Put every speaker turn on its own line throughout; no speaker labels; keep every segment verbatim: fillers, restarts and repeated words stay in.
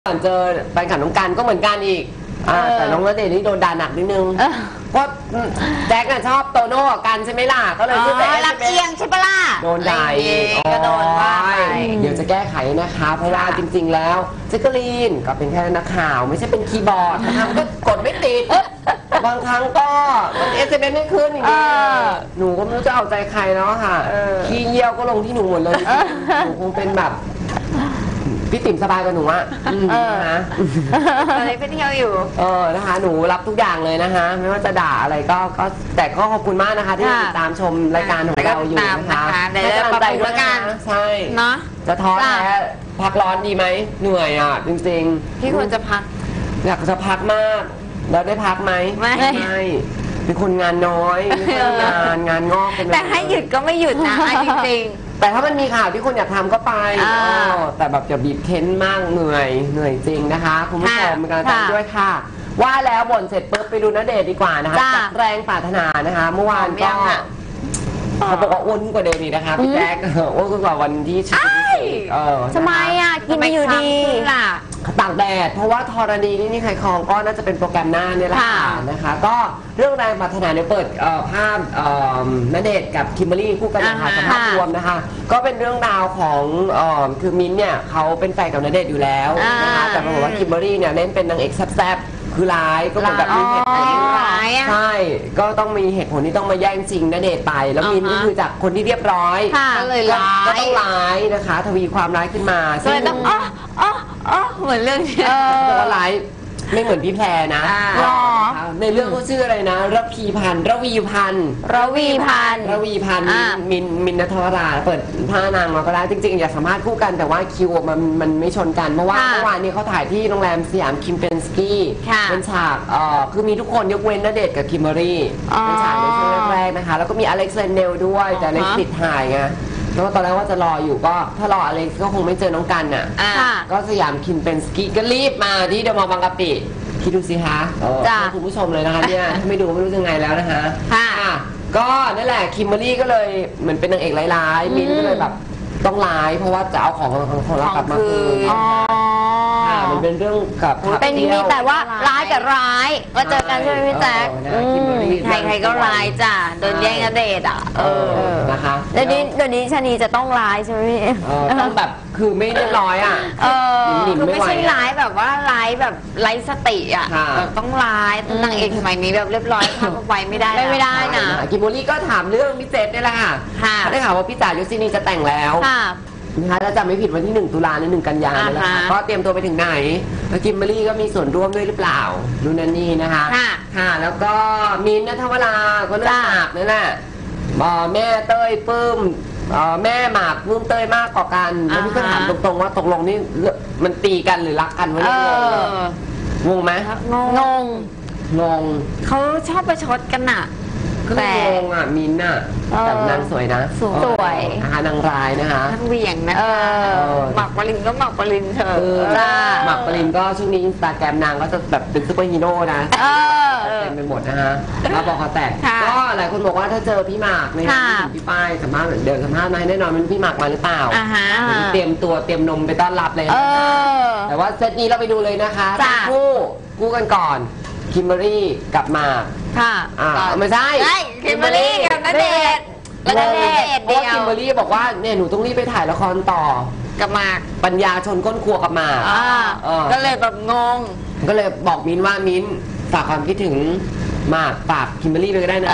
ก่อนเจอแฟนคลับน้องกันก็เหมือนกันอีกแต่น้องณเดชน์นี่โดนด่าหนักนิดนึงเพราะแจ็คชอบโตโน่กันใช่ไหมล่ะก็เลยชื่อแจ็ค
รับเอียงใช่ปะล่ะ
โดนด่า
ก็โดนว่าไป
เดี๋ยวจะแก้ไขนะคะเพราะว่าจริงๆแล้วแจ็คกะลีนก็เป็นแค่นักข่าวไม่ใช่เป็นคีย์บอร์ดนะคะก็กดไม่ติดบางครั้งก็มันเอสเอ็มเอสไม่ขึ้นอย่างนี้หนูก็ไม่รู้จะเอาใจใครแล้วค่ะขี้เยี่ยวก็ลงที่หนูหมดเลยหนูคงเป็นแบบพี่ติ๋มสบายกับหนูอะนะ
ตอนนี้ไปเที่ยวอยู่
เออนะคะหนูรับทุกอย่างเลยนะคะไม่ว่าจะด่าอะไรก็ก็แต่ก็ขอบคุณมากนะคะที่ติดตามชมรายการของเราอยู่นะคะ
ได้กำลังใจด้วยกัน
ใช่
เนาะ
จะท้อแท้พักร้อนดีไหมเหนื่อยอ่ะจริง
ๆพี่ควรจะพัก
อยากจะพักมากแล้วได้พักไหม
ไม่
เป็นคนงานน้อยไม่ใช่งานงานงอก
แต่ให้หยุดก็ไม่หยุดนะจริง
ๆแต่ถ้ามันมีข่าวที่คนอยากทำก็ไปแต่แบบอย่าบีบเค้นมากเหนื่อยเหนื่อยจริงนะคะคุณผู้ชมเป็นกำลังใจด้วยค่ะว่าแล้วบ่นเสร็จปุ๊บไปดูณเดชน์ดีกว่านะคะจากแรงปรารถนานะคะเมื่อวานก็เขาบอกว่าอ้วนกว่าเดิมอีกนะคะพี่แจ๊คอ้วนกว่าวันที่ชิค
เออทำไมอ่ะกินไม่อยู่ดีล่ะ
ตากแดดเพราะว่าธรณีนี่นี่ใครคลองก็น่าจะเป็นโปรแกรมหน้าเนี่ยแหละนะคะก็เรื่องแรงปรารถนาเนี่ยเปิดภาพณเดชน์กับคิมเบอรรี่คู่กันนะคะสัมภาษณ์รวมนะคะก็เป็นเรื่องราวของคือมิ้นเนี่ยเขาเป็นแฟนกับณเดชน์อยู่แล้วนะคะแต่ปรากฏว่าคิมเบอรรี่เนี่ยเล่นเป็นนางเอกแซ่บคือร้ายก็เหมือนแบบมีเหตุผลใช่ก็ต้องมีเหตุผลที่ต้องมาแย่งชิงณเดชน์ไปแล้วมินก็คือจากคนที่เรียบร้อย
ก็เลยร้าย
ก็ต้องร้ายนะคะทวีความร้ายขึ้นมา
ก็เลยต้องอ๋ออ๋ออ๋อเหมือนเรื่องนี้
แต่ว่าร้ายไม่เหมือนพี่แพรนะในเรื่องเขาชื่ออะไรนะระพีพันธ์ระวีพันธ์
ระวีพันธ์
ระวีพันธ์มินมินณัฐวราเปิดผ้านางมาก็ได้จริงๆอยากสัมภาษณ์คู่กันแต่ว่าคิวมันมันไม่ชนกันเพราะว่าเมื่อวานนี้เขาถ่ายที่โรงแรมสยามคิมเปนสกี้เป็นฉากเอ่อคือมีทุกคนยกเว้นณเดชน์กับคิมเบอรรี่เป็นฉากในช่วงแรกๆนะคะแล้วก็มีอเล็กซ์เรนเนลด้วยแต่อเล็กซ์ติดถ่ายไงแล้วตอนแรกว่าจะรออยู่ก็ถ้ารออเล็กซ์ก็คงไม่เจอน้องกันน่ะก็สยามคิมเปนสกี้ก็รีบมาที่เดอะมอลล์บางกะปิคิดดูสิคะคุณผู้ชมเลยนะคะเนี่ยไม่ดูไม่รู้ยังไงแล้วนะคะก็นั่นแหละคิมเบอรรี่ก็เลยเหมือนเป็นนางเอกร้ายๆมิ้นก็เลยแบบต้องร้ายเพราะว่าจะเอาของของเรากลับมาคืนมันเป็นเรื่องกับ
เป็นมีแต่ว่าร้ายกับร้ายมาเจอกันใช่ไหมพี่แจ๊คใครใครก็ร้ายจ้ะโดนแย่งณเดชน์อ่ะเออ
นะคะ
เดี๋ยวนี้เดี๋ยวนี้ชนีจะต้องร้ายใช่ไหมพี่
ต้องแบบคือไม่เรียบร้อยอ่ะ
เออคือไม่ใช่ร้ายแบบว่าร้ายแบบไร้สติอ่ะต้องร้ายนางเอกสมัยนี้แบบเรียบร้อยทำไปไม่ได้
ไม่ได้นะกิมเบอรรี่ก็ถามเรื่องพี่เจษนี่แหละค่ะได้ข่าวว่าพี่จ๋ายุซินีจะแต่งแล้วนะคะถ้าจำไม่ผิดวันที่หนึ่งตุลาหรือหนึ่งกันยายนแล้วค่ะก็เตรียมตัวไปถึงไหนแล้วคิมเบอรรี่ก็มีส่วนร่วมด้วยหรือเปล่าดูนันนี่นะคะค่ะแล้วก็มินท์ณัฐวราก็เลือกหมากนั่นแหละแม่เต้ยปื้มแม่หมากปื้มเต้ยมากกว่ากันแล้วพี่ก็ถามตรงๆว่าตกลงนี่มันตีกันหรือรักกันวะเนี่ยงงไหม
งง
งง
เขาชอบประชดกันน่ะ
แต่งงอ่ะมินน่ะแต่นางสวยนะ
สวย
นะคะนางร้ายนะคะ
นางเหวี่ยงนะหมักปรินก็หมักปรินเธอ
หมักปรินก็ช่วงนี้อินสตาแกรมนางก็จะแบบเป็นซุปเปอร์ฮีโร่นะเต็มไปหมดนะฮะแล้วบอกเขาแตกก็หลายคนบอกว่าถ้าเจอพี่หมากเนี่ยพี่ป้ายสัมภาษณ์เดินสัมภาษณ์มาแน่นอนมันพี่หมากมาหรือเปล่าเตรียมตัวเตรียมนมไปต้อนรับเลยแต่ว่าเซตนี้เราไปดูเลยนะคะคู่คู่กันก่อนคิมเบอรรี่กับหมาก
ค่ะ
ไม่ใช่
คิมเบอรรี่กับณเดชน์
ณเดชน์เพราะคิมเบอรรี่บอกว่าเนี่ยหนูต้องรีบไปถ่ายละครต่อ
กับหมาก
ปัญญาชนก้นครัวกับหมาก
ก็เลยแบบงง
ก็เลยบอกมิ้นว่ามิ้นฝากความคิดถึงหมากฝากคิมเบอรรี่ไปก็ได้นะ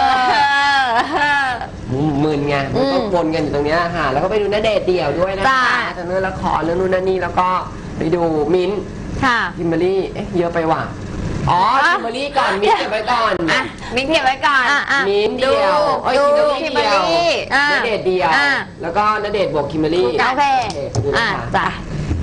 มึนไงมันก็วนกันอยู่ตรงนี้ค่ะแล้วก็ไปดูณเดชน์เดี่ยวด้วยนะคะจะเนื้อละครเรื่องนู่นนั่นนี่แล้วก็ไปดูมิ้นคิมเบอรรี่เอ๊ะเยอะไปว่ะอ๋อคิมเบอรรี่ก่อนมิ้นเก็บไว้ก่อน
มิ้นเก็บไว้ก่อน
มิ้นเดียวโอ้ยคิมเบอรรี่เดียวณเดชน์เดียวแล้วก็ณเดชน์บวกคิมเบอรรี่
โอเคอ่ะจ้ะ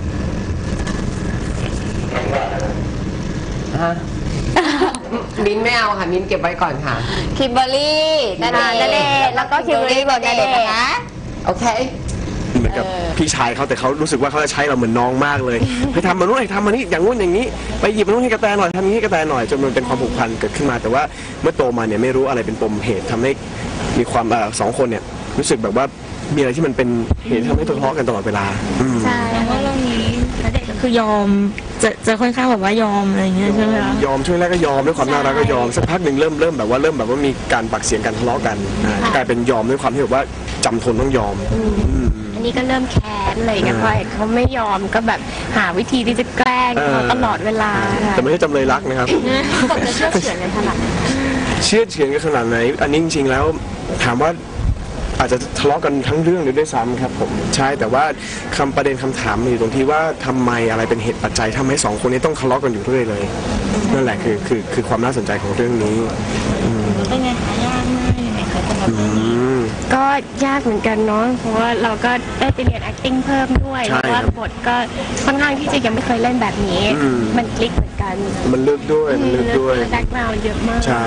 มิ้นไม่เอาค่ะมิ้นเก็บไว้ก่อนค่ะ
คิมเบอรรี่ณเดชน์แล้วก็คิมเบอรรี่บวกณเดชน์นะคะ
โอเค
เหมือนกับพี่ชายเขาแต่เขารู้สึกว่าเขาจะใช้เราเหมือนน้องมากเลยไปทำมาโน่นไปทำมานี่อย่างงู้นอย่างนี้ไปหยิบมาโน่นให้กระแตหน่อยทำนี้ให้กระแตหน่อยจนมันเป็นความผูกพันเกิดขึ้นมาแต่ว่าเมื่อโตมาเนี่ยไม่รู้อะไรเป็นปมเหตุทำให้มีความเอ่อสองคนเนี่ยรู้สึกแบบว่ามีอะไรที่มันเป็นเหตุทำให้ทะเลาะกันตลอดเวลา
ใช่เพราะเรื่องนี้ณเดชน์กับ
คือยอมจะจะค่อนข้างแบบว่ายอมอะไรอย่างเงี้ยใช่ไหมคะ
ยอมช่วงแรกก็ยอมด้วยความน่ารักก็ยอมสักพักหนึ่งเริ่มเริ่มแบบว่าเริ่มแบบว่ามีการปากเสียงกันทะเลาะกันอ่ากลายเป็นยอมด้วยความที่แบบว่าจำทนต้องยอม
อันนี้ก็เริ่มแค้นอะไรอย่างเงี้ยพอเห็นเขาไม่ยอมก็แบบหาวิธีที่จะแกล้งเขาตลอดเวลาค่ะ
แต่ไม่ใช่จำเลยรักนะครับ
ผมจะเชื่อเฉือนกันขนาดไหน
เชื่อเฉือนกันขนาดไหนอันนี้จริงๆแล้วถามว่าอาจจะทะเลาะกันทั้งเรื่องเลยด้วยซ้ำครับผมใช่แต่ว่าคำประเด็นคำถามมันอยู่ตรงที่ว่าทำไมอะไรเป็นเหตุปัจจัยทำให้สองคนนี้ต้องทะเลาะกันอยู่เรื่อยเลยนั่นแหละคือคือคือความน่าสนใจของเรื่องนี้
เป็นไงคะยากมากยังไงคะสำหรับ
อืม
ก็ยากเหมือนกันเนาะเพราะว่าเราก็ได้ไปเรียน acting เพิ่มด้วย
ใช่
เพราะว่า
ครับ
บทก็ค่อนข้างที่จะยังไม่เคยเล่นแบบนี้
อืม
มันคลิกเหมือนกัน
มันลึกด้วยมันลึกด้วย
แบ็กกราวด์เยอะมาก
ใช่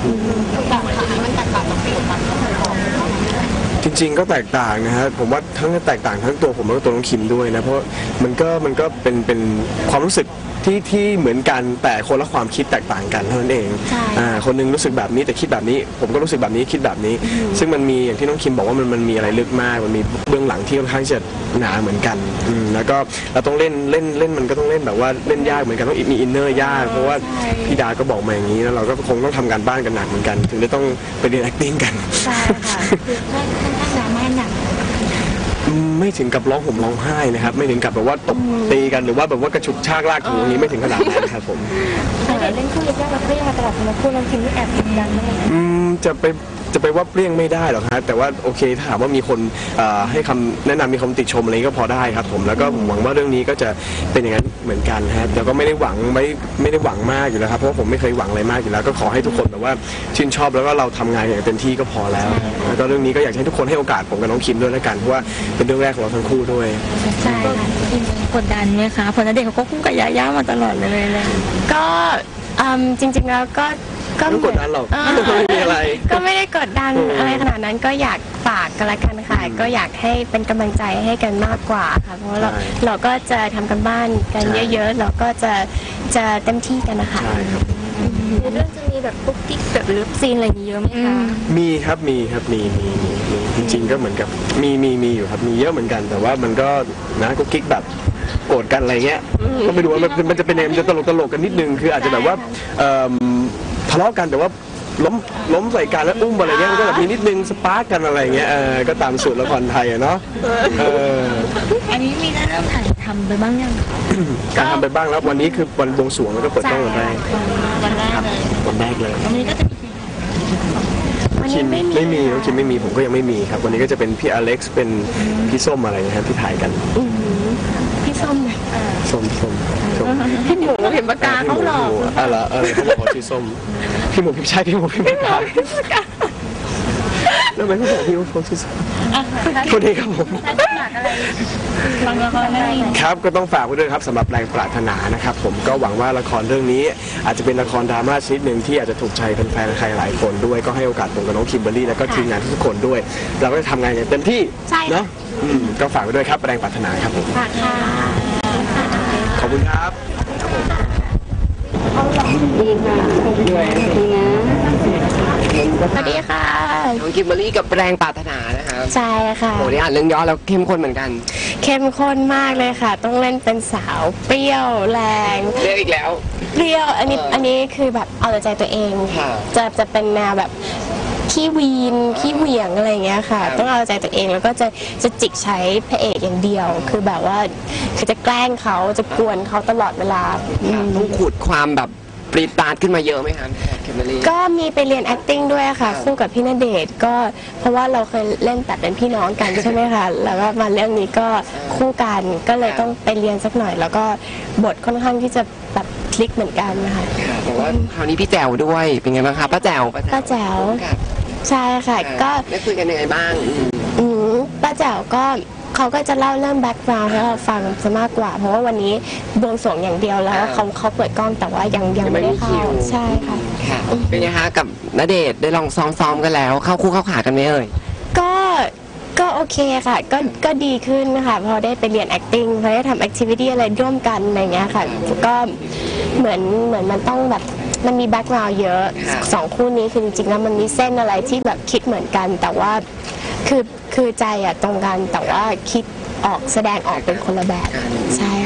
จริงๆก็แตกต่างนะฮะผมว่าทั้งแตกต่างทั้งตัวผมแล้วก็ตัวน้องคิมด้วยนะเพราะมันก็มันก็เป็นเป็นความรู้สึกที่ที่เหมือนกันแต่คนละความคิดแตกต่างกันเท่านั้นเอง
ใช่
อ่าคนหนึงรู้สึกแบบนี้แต่คิดแบบนี้ ผมก็รู้สึกแบบนี้คิดแบบนี้ ซึ่งมันมีอย่างที่น้องคิมบอกว่ามันมันมีอะไรลึกมากมันมีเบื้องหลังที่ค่อนข้างจะหนาเหมือนกันอืมแล้วก็เราต้องเล่นเล่นเล่นมันก็ต้องเล่นแบบว่าเล่นยากเหมือนกันต้องมีอินเนอร์ยากเพราะว่าพี่ดาก็บอกมาอย่างนี้แล้วเราก็คงต้องทำการบ้านกันหนักเหมือนกัน ถึงได้ต้องไปเรียน acting กัน
ใช่ค่ะคือค่อนข้างดราม่าหนัก
อืมไม่ถึงกับร้องห่มร้องไห้นะครับไม่ถึงกับแบบว่าตบตีกันหรือว่าแบบว่ากระฉุกชากลากถูอย่างนี้ไม่ถึงขนาดนั้นครับผม
แต่เล่นคู่ยากๆเราก็ยังมาตลอดสำหรับคู่น้องคิมนี่แอบกดดันมาก
อืมจะไปจะไปว่าเปรี้ยงไม่ได้หรอกครับแต่ว่าโอเคถ้าถามว่ามีคนเอ่อให้คำแนะนำมีคำติชมอะไรก็พอได้ครับผมแล้วก็ผมหวังว่าเรื่องนี้ก็จะเป็นอย่างนั้นเหมือนกันครับแล้วก็ไม่ได้หวังไม่ไม่ได้หวังมากอยู่แล้วครับเพราะว่าผมไม่เคยหวังอะไรมากอยู่แล้ว ก็ขอให้ทุกคนแบบว่าชื่นชอบแล้วก็เราทำงานอย่างเต็มที่ก็พอแล้วแล้วก็เรื่องนี้ก็อยากให้ทุกคนให้โอกาสผมกับน้องคิมด้วยแล้วกันเพราะว่าเป็นเรื่องแรกของเราทั้งคู่ด้วย
ใช่ค่ะ
กดดันไหมคะเพราะณเดชน์เขาก็คู่กับยาย่ามาตลอดเลยเลย
ก็อืมจริงๆแล้วก็ก็
ไม่กดดันหรอก
เออ
ไม่มีอะไร
ก็ไม่ได้กดดันอะไรขนาดนั้นก็อยากฝากกันละกันค่ะก็อยากให้เป็นกำลังใจให้กันมากกว่าค่ะเพราะว่าเรา
ใช่
เราก็จะทำกันบ้านกัน
ใช่
เยอะๆเราก็จะจะเต็มที่กันนะคะ
ใช่ครับ
เรื่องจะมีแบบปุ๊กกิ๊กแบบเลิฟซีนอะไรอย่างนี้เยอะไหมคะ
มีครับมีครับมีมีมีมีจริงๆก็เหมือนกับมีมีมีอยู่ครับมีเยอะเหมือนกัน แต่ว่ามันก็นะกุ๊กกิ๊กแบบโกรธกันอะไรเงี้ยก็ไม่รู้ว่ามันมันจะเป็นยังไงมันจะตลกตลกกันนิดนึงคืออาจจะแบบว่าเอิ่มทะเลาะกันแต่ว่าล้มล้มใส่กันแล้วอุ้มอะไรเงี้ยมันก็แบบมีนิดนึงสปาร์กกันอะไรเงี้ยเออก็ตามสูตรละครไทยอะเนาะเออ
อันนี้มีได้เริ่มถ่ายทำไปบ้างยัง
การทำไปบ้างแล้ววันนี้คือวันบวงสรวงแล้วก็เปิดกล้องวันแรก
วันแรกเลย
วันแรกเลย
วันนี้ก็จะมี
วัน
คิ
นี้
ม
ไม่มี
ไม่มีน้องคิมไม่มีผมก็ยังไม่มีครับ วันนี้ก็จะเป็นพี่อเล็กซ์เป็นพี่ส้มอะไรนะครับที่ถ่ายกัน
อื้อหือพี่ส้มเนี่ย
ส้มส้มส้ม
พี่หมูเห็นปากกาเขาหลอก
อ่ะเหรอเออเขาบอกว่าชื่อส้มพี่หมูพี่ใช่พี่หมูพี่ปากกาแล้วทำไมเขาบอกพี่ว่าเขาชื่อส้มคนนี้ครับผม
บางละครได้
ครับก็ต้องฝากไว้ด้วยครับสำหรับแรงปรารถนานะครับผมก็หวังว่าละครเรื่องนี้อาจจะเป็นละครดราม่าชนิดหนึ่งที่อาจจะถูกใจแฟนๆใครหลายคนด้วยก็ให้โอกาสผมกับน้องคิมเบอรรี่แล้วก็ทีมงานทุกคนด้วย เราก็จะทำงานอย่างเต็มที่เนาะอืมก็ฝากไว้ด้วยครับแรงปรารถนาครับผม
ฝากค่ะ
ขอบคุณครับ
สวัสดีค่ะ
น้องคิมเบอรรี่กับแรงปรารถนานะคะ
ใช่ค่ะ
โหได้อ่านเรื่องย่อแล้วเข้มข้นเหมือนกัน
เข้มข้นมากเลยค่ะ ต้องเล่นเป็นสาวเปรี้ยวแรง
เรียกอีกแล้ว
เปรี้ยวอันนี้อันนี้คือแบบเอาแต่ใจตัวเอง
ค่ะ
จะจะเป็นแนวแบบขี้วีนขี้เหวี่ยงอะไรอย่างเงี้ยค่ะ
ครับ
ต้องเอาใจตัวเองแล้วก็จะจะจิกใช้พระเอกอย่างเดียว คือแบบว่าคือจะแกล้งเขาจะกวนเขาตลอดเวลาอืม
ต้องขุดความแบบปรีดตาดขึ้นมาเยอะไหมคะคิมเบอรรี่
ก็มีไปเรียน acting ด้วยค่ะ คู่กับพี่ณเดชน์ก็เพราะว่าเราเคยเล่นแต่เป็นพี่น้องกัน ใช่ไหมคะ แล้วก็มาเรื่องนี้ก็คู่กันก็เลยต้องไปเรียนสักหน่อย แล้วก็บทค่อนข้างที่จะแบบคลิกเหมือนกันนะคะ
ค่ะแต่ว่าคราวนี้พี่แจ๋วด้วยเป็นไงบ้างคะป้าแจ๋ว
ป้าแจ๋ว
ค่ะ
ใช่ค่ะ ก็
ได้คุยกันยังไงบ้างอืม
อืมป้าแจ๋วก็เขาก็จะเล่าเรื่องแบ็กกราวด์ให้เราฟังซะมากกว่า เพราะว่าวันนี้บวงสรวงอย่างเดียวแล้วเขาเขาเปิดกล้องแต่ว่ายังยังไม่ได้เข้าใช่ค่ะ
ค่ะเป็นไงคะกับณเดชน์ได้ลองซ้อมๆกันแล้ว เข้าคู่เข้าขากันไหมเอ่ย
ก็ก็โอเคค่ะ ก็ก็ดีขึ้นค่ะพอได้ไปเรียน acting พอได้ทำ activity อะไรร่วมกันอะไรเงี้ยค่ะ ก็เหมือนเหมือนมันต้องแบบมันมีแบ็กกราวด์เยอะสองคู่นี้คือจริงๆแล้วมันมีเส้นอะไรที่แบบคิดเหมือนกัน แต่ว่าคือคือใจอะตรงกันแต่ว่าคิดออกแสดงออกเป็นคนละแบบใช่ค่ะ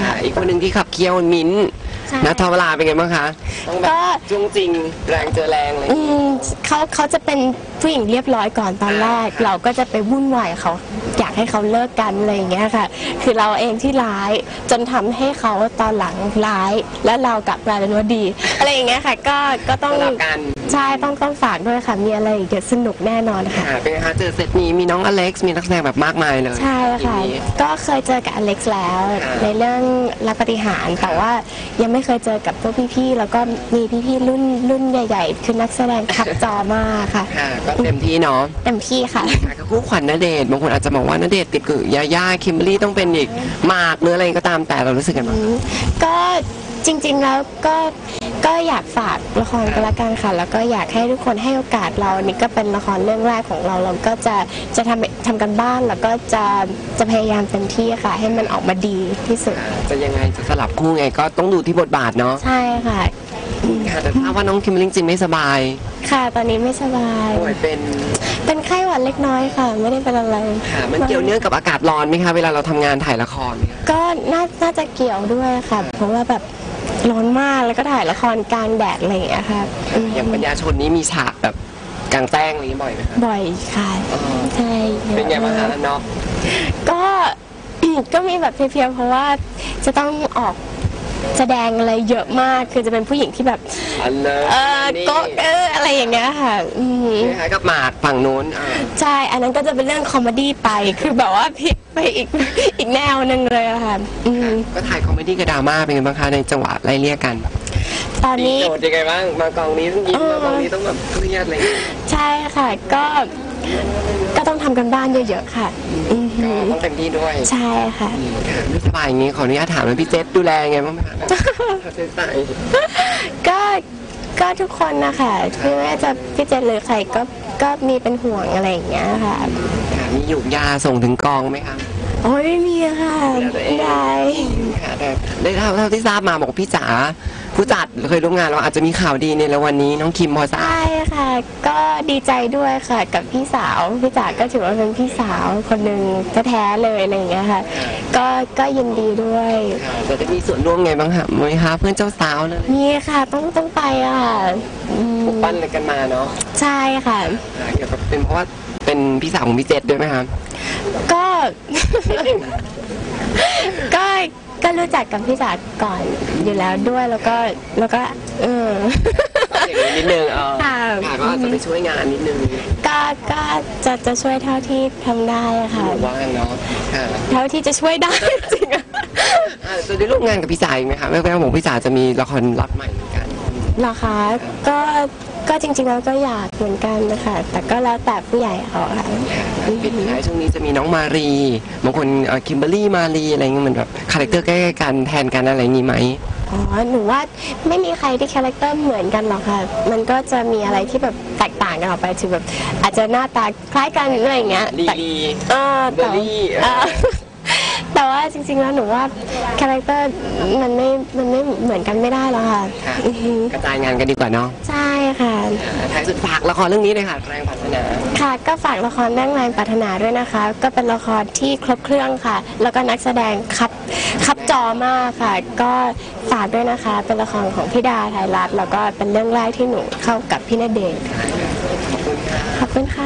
ค่ะ
อีกคนหนึ่งที่ขับเคี่ยวมิ้นท์
ใช่
นัทวราเป็นไงบ้างคะต้องแบบ
ก็
จุงจริงแรงเจอแรงเลย
อืมเขาเขาจะเป็นผู้หญิงเรียบร้อยก่อนตอนแรก เราก็จะไปวุ่นวายกับเขาอยากให้เขาเลิกกันอะไรอย่างเงี้ยค่ะ คือเราเองที่ร้ายจนทำให้เขาตอนหลังร้าย แล้วเรากลับกลายเป็นว่าดี อะไรอย่างเงี้ยค่ะ ก็ก็ต้อง
สลับกัน
ใช่ต้องต้องฝากด้วยค่ะ มีอะไรอีกเดี๋ยวสนุกแน่นอนค่ะ
ค่ะเป็นไงคะเจอเซตนี้มีน้องอเล็กซ์มีนักแสดงแบบมากมายเลย
ใช่ค่ะ
ทีนี้
ก็เคยเจอกับอเล็กซ์แล้ว
อ่า
ในเรื่องรักปฏิหารย์แต่ว่ายังไม่เคยเจอกับพวกพี่ๆแล้วก็มีพี่ๆรุ่นรุ่นใหญ่ ๆ คือนักแสดงขับจอมากค่ะ
ค่ะก็เต็มที่เนาะ
เต็มที่ค่ะ
ค่ะก็คู่ขวัญณเดชน์บางคนอาจจะมองว่าณเดชน์ติดกับยาย่าคิมเบอรรี่ต้องเป็นอีกหมากหรืออะไรก็ตามแต่เรารู้สึกกันบ้าง
ก็จริงๆแล้วก็ก็อยากฝากละครกันละกันค่ะ แล้วก็อยากให้ทุกคนให้โอกาสเรานี่ก็เป็นละครเรื่องแรกของเราเราก็จะจะทำทำกันบ้านแล้วก็จะจะพยายามเต็มที่ค่ะ ให้มันออกมาดีที่สุด
จะยังไงจะสลับคู่ไงก็ต้องดูที่บทบาทเนาะ
ใช่ค่ะ
ค่ะแต่ทราบว่าน้องคิมเบอรรี่จริงไม่สบาย
ค่ะตอนนี้ไม่สบาย
ป่วยเป็น
เป็นไข้หวัดเล็กน้อยค่ะ ไม่ได้เป็นอะไร
ค่ะมันเกี่ยวเนื่องกับอากาศร้อนไหมคะเวลาเราทำงานถ่ายละครเนี่ย
ก็น่าน่าจะเกี่ยวด้วยค่ะ เพราะว่าแบบร้อนมากแล้วก็ถ่ายละครกลางแดดอะไรอย่างเงี้ยค่ะอืม
อย่างปัญญาชนนี้มีฉากแบบกลางแจ้งอะไรอย่างนี้บ่อยไหมคะ
บ่อยค่ะใช่ยอะ
เป็นไงบ้างคะ
มาก
เนาะ
ก็ ก็มีแบบเพลียๆเพราะว่าจะต้องออกแสดงอะไรเยอะมาก คือจะเป็นผู้หญิงที่แบบ
อันเลย
เออ
นี่
ก็เอออะไรอย่างเงี้ยค่ะอืม
คล้ายๆกับหมากฝั่งนู้นอ่า
ใช่ อันนั้นก็จะเป็นเรื่องคอมเมดี้ไป คือแบบว่าพลิกไปอีก อีกแนวหนึ่งเลยอะค่ะอืม
ก็ถ่ายคอมเมดี้กับดราม่าเป็นไงบ้างคะในจังหวะไล่เลี่ยกัน
ตอนนี้
โจทย์ยังไงบ้างมากองนี้ต้องยิ้มมากองนี้ต้องแบบเครียดอะไรอย่างเงี้ย
ใช่ค่ะ ก็ ก็ต้องทำกันบ้านเยอะๆค่ะอือหื
ก็
อ
ต้องเต็มที่ด้วย
ใช่ค่ะ
ค่ะไม่สบายอย่างงี้ขออนุญาตถามว่าพี่เจษดูแลยังไงบ้างไหมคะเขาใช้ใส่
ก็ ก็ทุกคนนะคะไม่ว่าจะพี่เจนหรือใครก็ ก็มีเป็นห่วงอะไรอย่างเงี้ยค่ะ
ค่ะมีหยุกยาส่งถึงกองไหมคะ
โอ้ยไม่มีค่ะไม่ได้
ค่ะแต่ได้เท่าเท่าที่ทราบมาบอกว่าพี่จ๋าผู้จัดเคยร่วมงานเราอาจจะมีข่าวดีในแล้ววันนี้น้องคิมพอทราบ
ใช่ค่ะ ก็ดีใจด้วยค่ะ กับพี่สาว พี่จ๋าก็ถือว่าเป็นพี่สาวคนหนึ่งแท้ๆเลยอะไรอย่างเงี้ยค่ะ ก็ ก็ยินดีด้วย
ค่ะจะได้มีส่วนร่วมไงบ้างคะไหมคะเพื่อนเจ้าสาวเลย
มีค่ะ ต้อง ต้องไปอะค่ะอืม
ปลุกปั้นอะไรกันมาเนาะ
ใช่ค่ะ
ค่ะเกี่ยวกับเป็นเพราะว่าเป็นพี่สาวของพี่เจษด้วยไหมคะ
ก็ ก็ ก็รู้จักกับพี่จ๋าก่อนอยู่แล้วด้วย แล้วก็ แล้วก็ เออ
อย่างนี้นิดนึงเออ
ค่ะ
ค่ะก็อาจจะไปช่วยงานนิดนึง
ก็ ก็จะ จะช่วยเท่าที่ทำได้อะค่ะ
ว่างเนาะค่ะ
เท่าที่จะช่วยได้ จริงอะ
อ่าจะได้ร่วมงานกับพี่จ๋าอีกไหมคะแม่แม่บอกพี่จ๋าจะมีละครรับใหม่เหมือนกัน
เหรอคะ ก็ ก็จริงๆแล้วก็อยากเหมือนกันนะคะ แต่ก็แล้วแต่ผู้ใหญ่เขาค่ะ
ปิดท้ายช่วงนี้จะมีน้องมารีบางคนคิมเบอรรี่มารีอะไรเงี้ยเหมือนแบบคาแรคเตอร์ใกล้ๆกันแทนกันอะไรอย่างงี้ไหม
อ๋อ หนูว่าไม่มีใครที่คาแรคเตอร์เหมือนกันหรอกค่ะ มันก็จะมีอะไรที่แบบแตกต่างกันออกไปคือแบบอาจจะหน้าตาคล้ายกันหรืออะไรอย่างเงี้ย
ลี
แต่
ลี
เออแต่
เบอร์รี่
เออแต่ว่าจริงๆแล้วหนูว่าคาแรคเตอร์มันไม่ มันไม่เหมือนกันไม่ได้หรอกค่ะ
ค่ะ
อือหือก
ระจายงานกันดีกว่าเนาะ
ใช่ค่ะ
ท้ายสุดฝากละครเรื่องนี้เลยค่ะแรงพัฒนา
ค่ะก็ฝากละครเรื่องแรงปรารถนาด้วยนะคะ ก็เป็นละครที่ครบเครื่องค่ะ แล้วก็นักแสดงครับครับจอมากค่ะ ก็ฝากด้วยนะคะ เป็นละครของพี่ดาไทยรัฐแล้วก็เป็นเรื่องแรกที่หนูเข้ากับพี่ณเดชน์ขอบคุณค่ะ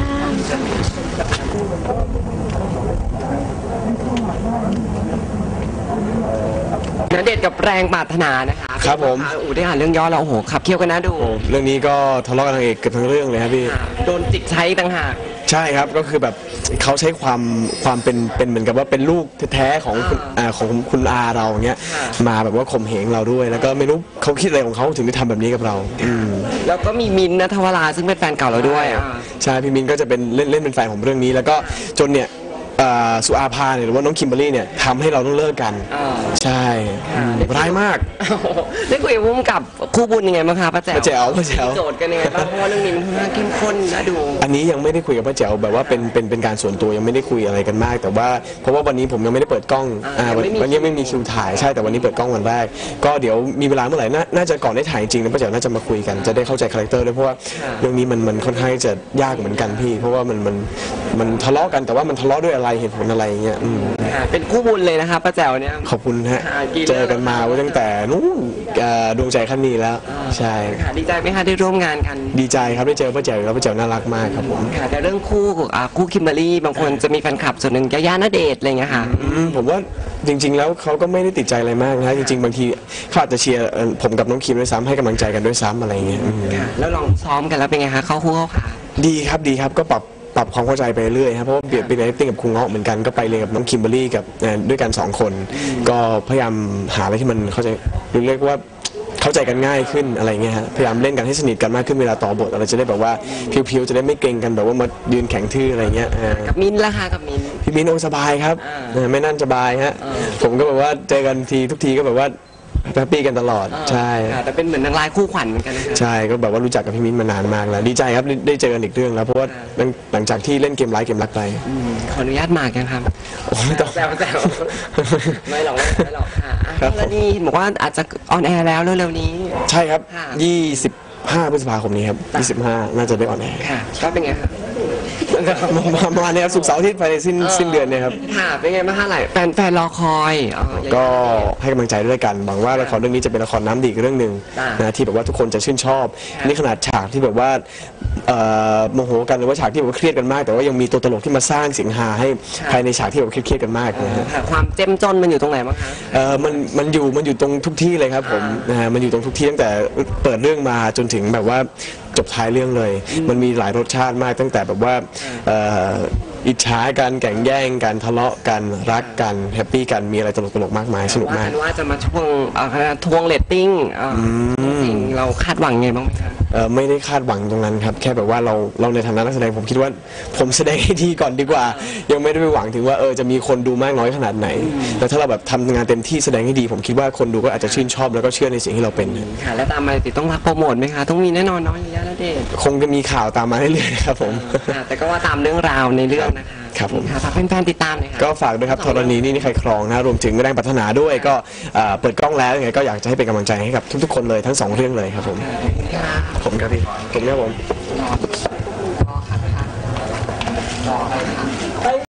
ณเดชน์กับแรงปรารถนานะคะ
ครับผม
อูได้อ่านเรื่องย่อแล้วโอ้โหขับเคี่ยวกันนะดู
เรื่องนี้ก็ทะเลาะกันนางเอกเกือบทั้งเรื่องเลยครับพี่
ค่ะโดนจิกใช้ต่างหาก
ใช่ครับก็คือแบบเขาใช้ความความเป็นเป็นเหมือนกับว่าเป็นลูกแท้ๆของคุณอ่าของคุณอาเราอย่างเงี้ยมาแบบว่าข่มเหงเราด้วย แล้วก็ไม่รู้เขาคิดอะไรของเขาถึงได้ทำแบบนี้กับเราอืม
แล้วก็มีมินท์ณทวราซึ่งเป็นแฟนเก่าเราด้วยอ่ะ
ใช่พี่มินก็จะเป็นเล่นเล่นเป็นแฟนของเรื่องนี้ แล้วก็จนเนี่ยอ่าสุอาภาเนี่ยหรือว่าน้องคิมเบอรรี่เนี่ยทำให้เราต้องเลิกกัน
อ่า
ใช่อืมร้ายมาก
ได้คุยกับพุ่มกับคู่บุญยังไงบ้างคะป้าแจ๋ว
ป้าแจ๋วป้าแจ๋ว
มีโจทย์กันยังไงบ้างเพราะว่าเรื่องนี้มันค่อนข้างเข้มข้นนะดู
อันนี้ยังไม่ได้คุยกับป้าแจ๋วแบบว่าเป็นเป็นเป็นการส่วนตัวยังไม่ได้คุยอะไรกันมาก แต่ว่าเพราะว่าวันนี้ผมยังไม่ได้เปิดกล้อง
อ่า
อ่าวัน
ยังไม่มี
วันนี้ไม่มีคิวถ่ายใช่แต่วันนี้เปิดกล้องวันแรก ก็เดี๋ยวมีเวลาเมื่อไหร่น่าน่าจะก่อนได้ถ่ายจริงนะป้าแจ๋วน่าจะมาคุยกันจะได้เข้าใจคาแรคเตอร์ด้วยเพราะว่าเรื่องนี้มันมันค่อนข้างจะยากเหมือนกันพี่ เพราะว่ามันมันมันทะเลาะกันแต่ว่ามันทะเลาะด้วยอะไรเหตุผลอะไรอย่างเงี้ยอืม
ค่ะเป็นคู่บุญเลยนะคะป้าแจ๋วเนี่ย
ขอบคุณฮะ
ค่ะกี่เรื่อง
เจอกันมาว่าตั้งแต่นู้นเอ่อดวงใจขั้นนี้แล้วใช่
ค่ะดีใจไหมคะได้ร่วมงานกัน
ดีใจครับได้เจอป้าแจ๋วแล้วป้าแจ๋วน่ารักมากครับผม
ค่ะแต่เรื่องคู่อ่าคู่คิมเบอรรี่บางคนจะมีแฟนคลับส่วนหนึ่งยาย่าณเดชน์อะไรอย่างเงี้ยค่ะ
อืมผมว่าจริง ๆ แล้วเขาก็ไม่ได้ติดใจอะไรมากนะจริง ๆ บางทีเขาอาจจะเชียร์เอ่อผมกับน้องคิมด้วยซ้ำให้กำลังใจกันด้วยซ้ำอะไรอย่างเงี้ยอืม
ค่ะแล้วลองซ้อมกันแล้วเป็นไงคะเข้าคู่เข้าขา
ดีครับดีครับก็ปรับปรับความเข้าใจไปเรื่อยครับเพราะว่าเปลี่ยนไปเรียน acting กับครูเงาะเหมือนกันก็ไปเรียนกับน้องคิมเบอรรี่กับเอ่อด้วยกันสองคน ก็พยายามหาอะไรที่มันเข้าใจเรียกว่าเข้าใจกันง่ายขึ้นอะไรเงี้ยฮะพยายามเล่นกันให้สนิทกันมากขึ้นเวลาต่อบทอะไรจะได้แบบว่าพิวๆจะได้ไม่เกรงกันแบบว่ามายืนแข็งทื่ออะไรเงี้ยเออ
กับมินท์ล่ะคะกับมินท์
พี่มิ้นโอสบายครับ
อ่า
เออไม่นั่นสบายฮะ
อ่า
ผมก็แบบว่าเจอกันทีทุกทีก็แบบว่าแฮปปี้กันตลอดใช่
ค่ะแต่เป็นเหมือนนางร้ายคู่ขวัญเหมือนกันนะคะ
ใช่ก็แบบว่ารู้จักกับพี่มิ้นมานานมากแล้วดีใจครับได้ได้เจอกันอีกเรื่องแล้วเพราะว่าหลังหลังจากที่เล่นเกมไลฟ์เกมรักไป
อืมขออนุญาตหมากกันครับ
โอ้ไม่ต้อง
แซวแซวไม่หรอกไม่หรอกค่ะอ่ะ
ครับผม
แล้วนี่บอกว่าอาจจะออนแอร์แล้วเร็วๆนี้
ใช่ครับ
ค่ะ
ยี่สิบห้าพฤษภาคมนี้ครับยี่สิบห้าน่าจะได้ออนแอร์
ค่ะก็เป็นไงคะ
ประมาณนี้ครับศุกร์เสาร์อาทิตย์ภายในสิ้นสิ้นเดือนเนี่ยครับ
ค่ะเป็นไงบ้างคะหลายแฟนแฟนรอคอยอ๋อ
ก็ให้กำลังใจด้วยกันหวังว่าละครเรื่องนี้จะเป็นละครน้ำดีอีกเรื่องหนึ่ง
อ่าน
นะที่แบบว่าทุกคนจะชื่นชอบนี่ขนาดฉากที่แบบว่าเอ่อโมโหกันหรือว่าฉากที่แบบว่าเครียดกันมาก แต่ว่ายังมีตัวตลกที่มาสร้างเสียงฮาให้ภายในฉากที่แบบเครียดๆกันมากนะฮะ
ค่ะความเจ้มจนมันอยู่ตรงไหนบ้างคะ
เออมันมันอยู่มันอยู่ตรงทุกที่เลยครับผมนะฮะมันอยู่ตรงทุกที่ตั้งแต่เปิดเรื่องมาจนถึงแบบว่าจบท้ายเรื่องเลย มันมีหลายรสชาติมากตั้งแต่แบบว่าเอ่ออิจฉากันแข่งแย่งกันทะเลาะกันรักกันแฮปปี้กันมีอะไรตลกๆมากมายสนุกาก
ว่ามกันว่าจะมาช่วงเอ่อทวงเรตติ้งเอ่ออจริงเราคาดหวังไงบ้างไหมคะ
เอ่อไม่ได้คาดหวังตรงนั้นครับแค่แบบว่าเราเราในฐานะนักแสดงผมคิดว่าผมแสดงให้ดีก่อนดีกว่า ยังไม่ได้ไปหวังถึงว่าเออจะมีคนดูมากน้อยขนาดไหนแต่ถ้าเราแบบทำงานเต็มที่แสดงให้ดี ผมคิดว่าคนดูก็อาจจะชื่นชอบแล้วก็เชื่อในสิ่งที่เราเป็น
ค่ะแล้วตามมาติดต้องรับโปรโมทไหมคะต้องมีแน่นอนเนาะยาย่าณเดชน์
คงจะมีข่าวตามมาเรื่อยๆนะครับผม
ค่ะแต่ก็ว่าตามเรื่องราวในเรื่องนะคะ
ครับผม
ค่ะฝากแฟนๆติดตามหน่อยค่ะ
ก็ฝากด้วยครับธรณีนี่นี่ใครครองนะรวมถึงแรงปรารถนาด้วยก็เอ่อเปิดกล้องแล้วยังไงก็อยากจะให้เป็นกำลังใจให้กับทุกๆคนเลยทั้งสองเรื่องเลยครับผมผมครับพี่ผมครับผม